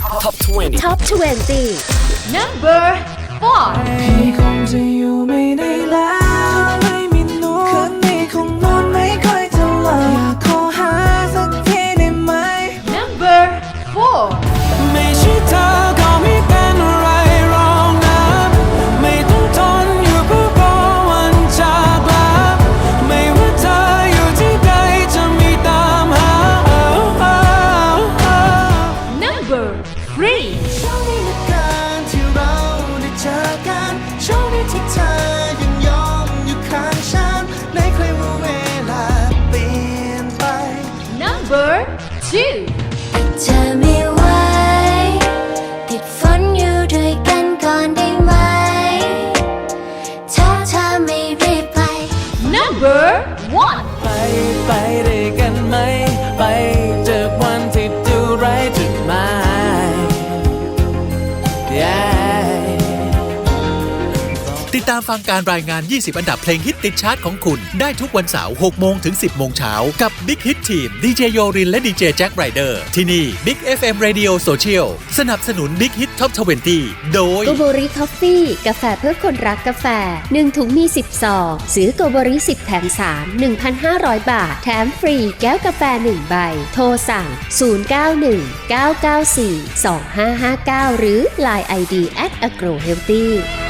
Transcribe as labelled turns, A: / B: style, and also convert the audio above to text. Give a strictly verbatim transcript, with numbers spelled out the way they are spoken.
A: Top ยี่สิบ
B: Top ยี่สิบ
C: Number four
D: พี่คงจะอยู่ไม่ได้แล้วไม่มีนูคืนนี้คงนอนไม่ค่อยจะหลับอยากขอหาสักทีได้ไหม
C: Number four
D: ไม่ใช่เธอก็ไม่เป็นอะไรหรอกนะไม่ต้องทนอยู่เพื่อรอวันจากลาไม่ว่าเธออยู่ที่ใดจะมีตามหา
C: Number three
D: โชคดีเหลือเกินที่เราได้เจอกันโชคดีที่เธอยังยอมอยู่ข้างฉันไม่เคยว่าเวลาเปลี่ยนไป
C: Number two
E: เธอไม่ไหวติดฝนอยู่ด้วยกันก่อนได้ไหมถ้าเธอไม่รีบไป
C: Number one
D: ไปไปด้วยกันไหมไปจากวันที่ดูไร้จุดหมาย yeah
F: ติดตามฟังการรายงาน ยี่สิบ อันดับเพลงฮิตติดชาร์ตของคุณได้ทุกวันเสาร์ หกโมงถึง สิบโมงเช้ากับ Big Hit Team ดีเจโยรินและดีเจแจ็คไรเดอร์ที่นี่ Big เอฟ เอ็ม Radio Social สนับสนุน Big Hit Top ยี่สิบ โดย
B: โกโบริคอฟฟี่กาแฟเพื่อคนรักกาแฟหนึ่งถุงมีสิบซองซื้อโกโบริสิบแถมสาม หนึ่งพันห้าร้อย บาทแถมฟรีแก้วกาแฟหนึ่งใบโทรสั่งศูนย์ เก้า หนึ่ง เก้า เก้า สี่ สอง ห้า ห้า เก้าหรือ ไลน์ ไอ ดี แอท agrohealthy